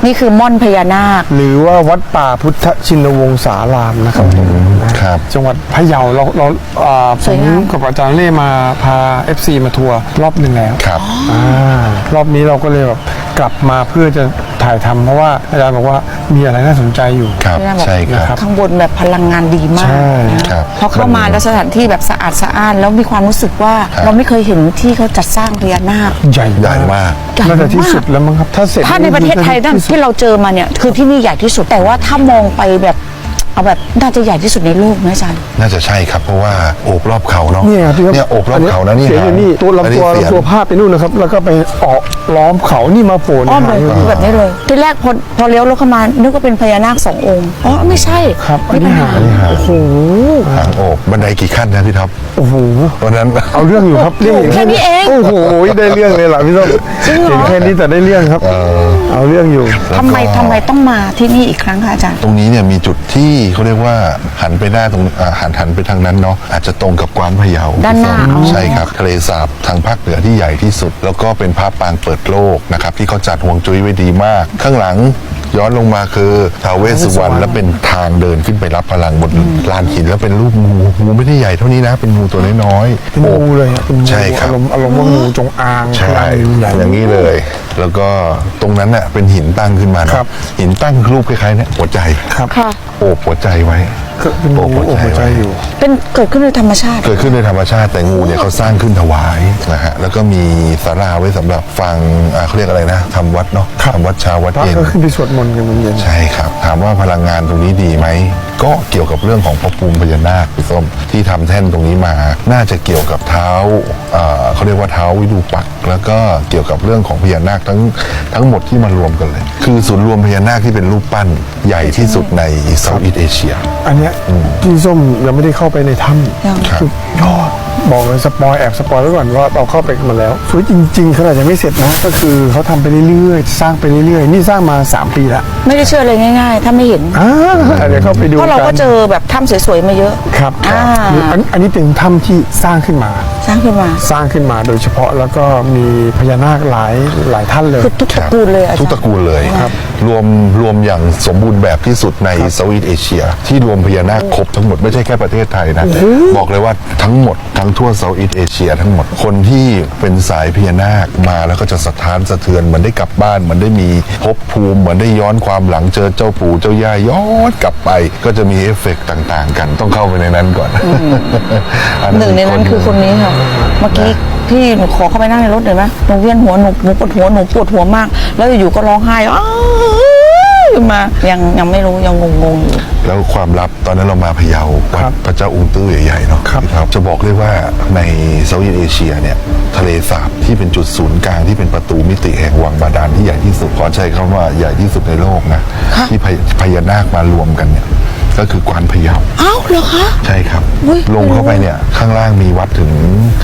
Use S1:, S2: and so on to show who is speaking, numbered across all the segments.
S1: นี่คือม่อนพญานาค
S2: หรือว่าวัดป่าพุทธชินวงศารามนะครับผม
S3: ครับ
S2: จังหวัดพะเยาเราผมกับอาจารย์เล่มาพา FC มาทัวร์รอบหนึ่งแล้ว
S3: ครับ
S2: รอบนี้เราก็เลยแบบกลับมาเพื่อจะถ่ายทำเพราะว่าอาจารย์บอกว่ามีอะไรน่าสนใจอยู่
S3: ครับ ใช่ครับ
S1: ข้างบนแบบพลังงานดีมาก
S2: ใช่
S3: ครับ
S1: พอเข้ามาแล้วสถานที่แบบสะอาดสะอ้านแล้วมีความรู้สึกว่าเราไม่เคยเห็นที่เขาจัดสร้างพญานาค
S2: ใหญ่
S3: ใหญ่มาก
S2: น่าจะที่สุดแล้วมั้งครับถ้าเสร็จ
S1: ถ้าในประเทศไทยนั่นที่เราเจอมาเนี่ยคือที่นี่ใหญ่ที่สุดแต่ว่าถ้ามองไปแบบเอาแบบน่าจะใหญ่ที่สุดในโลกนะอาจารย์
S3: น่าจะใช่ครับเพราะว่าโอบรอบเขาเนาะ
S2: เนี่ยครับ
S3: เนี่ยโอบรอบเขานะนี่
S2: เสียงอยู่นี่ตัว
S3: อันนี้
S2: ลำตัว
S3: เสียง
S2: ลำตัวภาพไปนู่นนะครับ แล้วก็ไปออกล้อมเขานี่มาโผล่ใน
S1: อ้อม
S2: หา
S1: เลย
S2: งอยู่
S1: แบบนี้เลยทีแรกพอเลี้ยวรถเข้ามานึกว่าเป็นพญานาค2 องค์อ๋อไม่ใช่
S2: ครับอัน
S1: นี่
S2: นี้
S1: เป็น
S2: หา
S1: หาง
S2: โอ้โห
S3: หางโอบบันไดกี่ขั้นนะพี่ท็อป
S2: โอ้โห
S3: วันนั้น
S2: เอาเรื่องอยู่ครับเรื่อง
S1: แค่นี้เอง
S2: โอ้โหได้เรื่องเลยล่ะพี่ส้มเห็นแค่นี้แต่ได้เรื่องครับเอาเรื่องอยู่
S1: ทำไมต้องมาที่นี่อีกครั้งคะอาจารย์
S3: ตรงนี้เนี่ยมีจุดที่เขาเรียกว่าหันไปหน้าตรงหันไปทางนั้นเนาะอาจจะตรงกับกวานพะเยา
S1: ด้านหน้าอ๋อ
S3: ใช่ครับทะเลสาบทางภาคเหนือที่ใหญ่ที่สุด แล้วก็เป็นพระปางเปิดโลกนะครับที่เขาจัดห่วงจุ้ยไว้ดีมาก ข้างหลังย้อนลงมาคือท้าวเวสสุวรรณและเป็นทางเดินขึ้นไปรับพลังบนลานหินแล้วเป็นรูปงูไม่ได้ใหญ่เท่านี้นะเป็นงูตัวน้อยๆ
S2: เป็นงูเลยอะเป็นงู
S3: ใช่ครับ
S2: อารมณ์ว่างูจงอาง
S3: ใช่
S2: ใหญ่
S3: อย่างนี้เลย แล้วก็ตรงนั้นน่ะเป็นหินตั้งขึ้นมาเนอะ
S2: ครับ
S3: หินตั้งรูปคล้ายๆเนี่ยหัวใจ
S2: ครับ
S1: ค่ะ
S3: โอบหัวใจไว้
S2: ก็เป็นงูโอ้โหใจอยู่
S1: เป็นเกิดขึ้นโดยธรรมชาติ
S3: เกิดขึ้นในธรรมชาติแต่งูเนี่ยเขาสร้างขึ้นถวายนะฮะแล้วก็มีศาลาไว้สำหรับฟังเขาเรียกอะไรนะทำวัดเนาะ
S2: ครับ
S3: ทำวัดเช้าวัด
S2: พระ
S3: เย็น
S2: ก็ขึ้นไปสวดมนต์กันเย็น
S3: ใช่ครับ ถามว่าพลังงานตรงนี้ดีไหม ก็เกี่ยวกับเรื่องของพระภูมิพญานาคพี่ส้มที่ทำแท่นตรงนี้มา น่าจะเกี่ยวกับเท้าเขาเรียกว่าเท้าวิรูปักษ์แล้วก็เกี่ยวกับเรื่องของพญานาคทั้งหมดที่มารวมกันเลย คือศูนย์รวมพญานาคที่เป็นรูปปั้นใหญ่ที่สุดในเซาท์อีสต์เอเชีย
S2: ๆอันเนี้ยพี่ส้มยังไม่ได้เข้าไปในถ้
S1: ยัง
S2: ำสุดยอดบอกเลยสปอยไว้ก่อนว่าเราเข้าไปกันมาแล้วสวยจริงๆขนาดยังไม่เสร็จนะก็คือเขาทำไปเรื่อยๆสร้างไปเรื่อยๆนี่สร้างมา3 ปีละ
S1: ไม่ได้เชื่อเลยง่าย ๆ ถ้าไม่เห็น
S2: เดี๋ยวเข้าไปดู
S1: เพราะเราก็
S2: กัน
S1: เจอแบบถ้ำสวยๆมาเยอะ
S2: ครับ
S1: อ่า
S2: อันนี้เป็นถ้ำที่สร้างขึ้นมา
S1: สร้างขึ้นมา
S2: สร้างขึ้นมาโดยเฉพาะแล้วก็มีพญานาคหลายท่านเลย
S1: คือทุกตระกูลเลยอาจารย์
S3: ทุกตระกูลเลยรวมอย่างสมบูรณ์แบบที่สุดในเซาท์อีสต์เอเชีย ที่รวมพญานาคครบทั้งหมดไม่ใช่แค่ประเทศไทยนะ บอกเลยว่าทั้งหมดทั้งทั่วเซาท์อีสต์เอเชียทั้งหมดคนที่เป็นสายพญานาคมาแล้วก็จะสะท้านสะเทือนเหมือนได้กลับบ้านเหมือนได้มีภพภูมิเหมือนได้ย้อนความหลังเจอเจ้าปู่เจ้าย่าย้อนกลับไป ก็จะมีเอฟเฟกต์ต่างๆ กันต้องเข้าไปในนั้นก่อน
S1: หนึ่งในนั้นคือคนนี้ค่ะ เมื่อกี้พี่หนูขอเข้าไปนั่งในรถหน่อยไหมหนูเวียนหัวหนูปวดหัวมาก แล้วอยู่ๆก็ร้องไห้อ้าวขึ้นมายังไม่รู้ยังงงๆอยู่
S3: แล้วความลับตอนนั้นเรามาพะเยาวัดพระเจ้าองค์ตื้อใหญ่ๆเนาะครับจะบอกเลยว่าในเซาท์อีสต์เอเชียเนี่ยทะเลสาบที่เป็นจุดศูนย์กลางที่เป็นประตูมิติแห่งวังบาดาลที่ใหญ่ที่สุดขอใช้คำว่าใหญ่ที่สุดในโลกนะที่พญานาคมารวมกันเนี่ยก็คือกวานพะเยา
S1: อ้าวเหรอคะ
S3: ใช่ครับ
S1: อุ๊ย
S3: ลงเข้าไปเนี่ยข้างล่างมีวัดถึง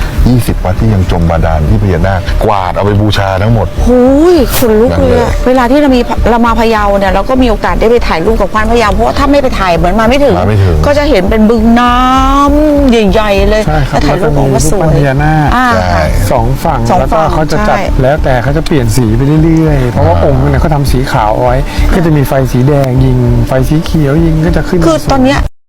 S3: 20 วัดที่ยังจมบาดาลที่พญานาคกวาดเอาไปบูชาทั้งหมด
S1: หูยขนลุกเลย
S3: นั่นเล
S1: อะ
S3: ย
S1: เวลาที่เรามาพะเยาเนี่ยเราก็มีโอกาสได้ไปถ่ายรูปกับควานพะเยาเพราะว่าถ้าไม่ไปถ่ายเหมือนมาไม่ถึง ก็จะเห็นเป็นบึงน้ำใหญ่ๆเลย
S2: ใช่ครับ
S1: แล้วถ่ายรูปของว่าสวย
S2: แล้วก็มีรูปปั้นพญานาค
S1: อ่า
S3: ใช่
S1: ค่ะ
S2: สองฝั่ง
S1: สอง
S2: แล้วก็
S1: ฝั่ง
S2: เขาจะจัด
S1: ใช่
S2: แล้วแต่เขาจะเปลี่ยนสีไปเรื่อยๆเพราะว่าองค์เนี่ยเขาทำสีขาวเอาไว้ ก็จะมีไฟสีแดงยิงไฟสีเขียวยิงก็จะขึ้น
S1: คือตอนเนี้ย